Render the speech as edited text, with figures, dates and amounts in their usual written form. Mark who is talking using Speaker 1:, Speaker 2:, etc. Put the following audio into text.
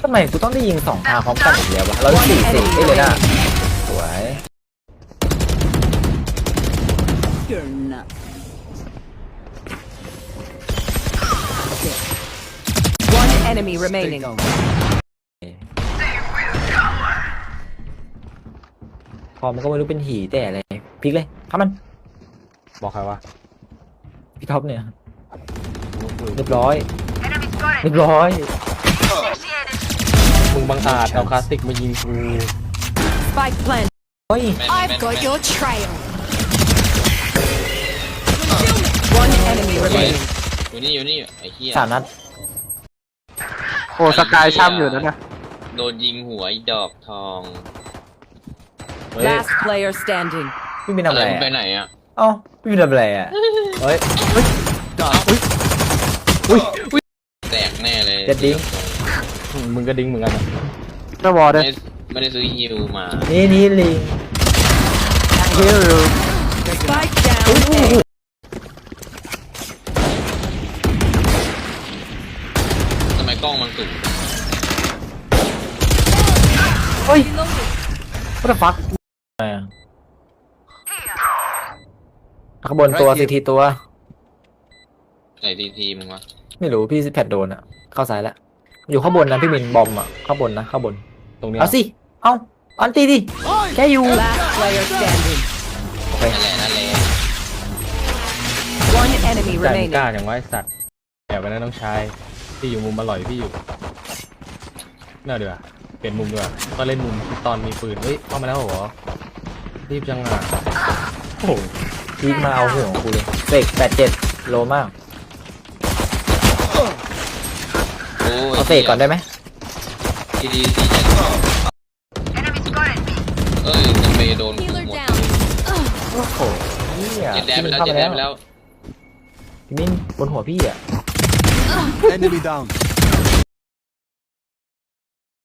Speaker 1: ทำไมกูต้องได้ยิง2 ทางพร้อมกันอีกแล้ววะเรา4-4ได้เลยนะสวย
Speaker 2: You're not. One enemy remaining.
Speaker 1: พอมันก็ไม่รู้เป็นหีแต่อะไรพลิกเลยครับมัน
Speaker 3: บอกใครวะ
Speaker 1: พี่ท็อปเนี่ยเรียบร้อยเรียบร้อย
Speaker 3: มึงบังอาจเอาคลาสสิกมายิงกู
Speaker 2: Spike plant.
Speaker 1: เฮ้ย
Speaker 4: I've got your trail.
Speaker 2: One enemy remaining.
Speaker 5: อยู่นี่ไอ้เหี้ย
Speaker 1: 3 นัด
Speaker 6: โอ้สกายช่ำอยู่นั่นนะ
Speaker 5: โดนยิงหัวไอ้ดอกทอง
Speaker 2: Last player standing.
Speaker 1: พี่บินทำอะไร
Speaker 5: มึงไป
Speaker 1: อะ
Speaker 5: ไหนอ่ะ
Speaker 1: เอ้าพี่บินทำอะไรอ่ะเฮ้ย
Speaker 5: แตกแน่เลย
Speaker 1: เจ็ดดิ้ง
Speaker 3: มึงก็ดิ้งเหมือนกันนะ
Speaker 6: หน้าวอล
Speaker 5: ไม่
Speaker 6: ด้วย
Speaker 5: ได้ไม่ได้ซื้อฮิวมา
Speaker 1: นี่ลิง
Speaker 6: ฮิล
Speaker 2: Spike down. A.
Speaker 5: ทำไมกล้องมันสุก
Speaker 1: เฮ้ย what the fuck ข้างบนตัวซีทีตัว
Speaker 5: ไอ้ทีมึงวะ
Speaker 1: ไม่รู้พี่แพดโดนอ่ะเข้าซ้ายแล้วอยู่ข้างบนนะพี่บินบอมอ่ะข้างบนนะข้างบน
Speaker 3: ตรงเนี้ย
Speaker 1: เอาสิเอาอันตีดิแค่อยู่
Speaker 2: Last player standing.
Speaker 5: นั่นแหละ
Speaker 2: One enemy
Speaker 3: ใจมึง
Speaker 2: remaining.
Speaker 3: กล้าอย่างว่าไอ้สัตว์แอบไปนะน้องชายพี่อยู่มุมอร่อยพี่อยู่น่าเดือดเปลี่ยนมุมดีกว่าก็เล่นมุมตอนมีปืนเฮ้ยเข้ามาแล้วเหรอรีบจังอ่ะโอ้โห
Speaker 1: พีกมาเอาหัวของกูเลยเสก87 โลมาก
Speaker 5: โอ้ย
Speaker 1: เอาเสกก่อนได้ไหม
Speaker 5: ทีจะเอ้ยจะไปโดนกู
Speaker 4: Healer
Speaker 5: หมด
Speaker 4: down.
Speaker 1: โอ้โหเนี่ย
Speaker 5: เจ็ดแดน
Speaker 1: พี่
Speaker 5: ไป
Speaker 1: บิน
Speaker 5: แล้ว
Speaker 1: เข้า
Speaker 5: เจ็ด
Speaker 1: มา
Speaker 5: แด
Speaker 1: แล้ว
Speaker 5: นไปแล้ว
Speaker 1: พี่บินบนหัวพี่อ่ะ
Speaker 7: Enemy down.